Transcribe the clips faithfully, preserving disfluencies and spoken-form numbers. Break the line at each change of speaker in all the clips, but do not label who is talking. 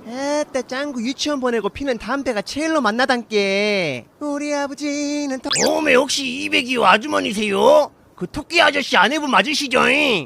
에따 짱구 유치원 보내고 피는 담배가 제일로 만나단께. 우리 아버지는 토...
오메 혹시 이백이호 아주머니세요? 그 토끼 아저씨 아내분 맞으시죠?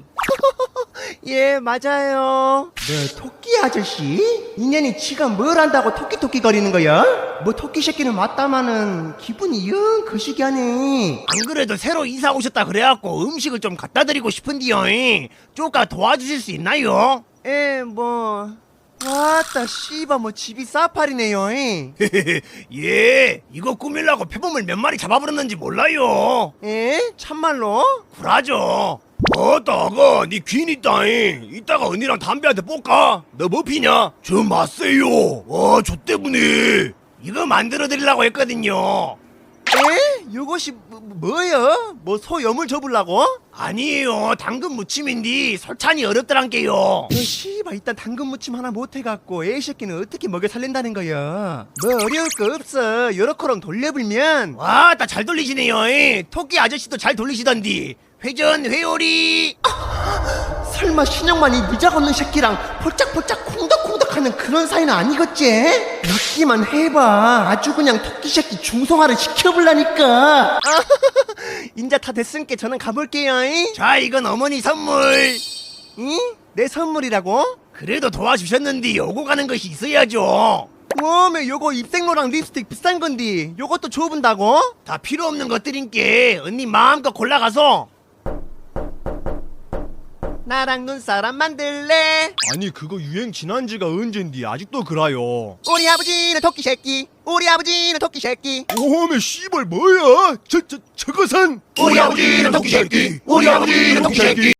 예 맞아요. 네 토끼 아저씨? 인연이 지가 뭘 안다고 토끼토끼 거리는 거야? 뭐 토끼 새끼는 맞다마는 기분이 영 거시기하네.
안 그래도 새로 이사 오셨다 그래갖고 음식을 좀 갖다 드리고 싶은데요. 쪼까 도와주실 수 있나요?
예 뭐... 와따 씨바 뭐 집이 사파리네요.
예, 이거 꾸밀라고 표범을 몇 마리 잡아버렸는지 몰라요.
예? 참말로?
굴하죠. 어따가 니 귀인 있다잉. 이따가 언니랑 담배 한 대 볶아. 너 뭐 피냐? 저 맞세요. 와, 저 때문에 이거 만들어 드리려고 했거든요.
예? 요것이 뭐, 뭐예요? 뭐 소 염을 접으려고?
아니에요, 당근 무침인데 설찬이 어렵더란게요.
너 씨발 일단 당근 무침 하나 못해갖고 애 새끼는 어떻게 먹여 살린다는 거야. 뭐 어려울 거 없어. 요렇게랑 돌려불면.
와, 나 잘 돌리시네요. 이. 토끼 아저씨도 잘 돌리시던디. 회전 회오리.
설마 신영만이 니작 없는 새끼랑 폴짝폴짝 콩닥콩닥하는 그런 사이는 아니겠지? 믿기만 해봐. 아주 그냥 토끼 새끼 중성화를 시켜볼라니까. 인자 다 됐으니까 저는 가볼게요. 잉?
자, 이건 어머니 선물.
응? 내 선물이라고?
그래도 도와주셨는데 오고 가는 것이 있어야죠.
워메 요거 입생로랑 립스틱 비싼 건디 요것도 줘본다고?
다 필요 없는 것들인께 언니 마음껏 골라가서.
나랑 눈사람 만들래?
아니 그거 유행 지난 지가 언젠디 아직도 그라요.
우리 아버지는 토끼 새끼. 우리 아버지는 토끼 새끼.
오메 씨발 뭐야? 저 저 저것은
우리 아버지는 토끼 새끼. 우리 아버지는 토끼 새끼.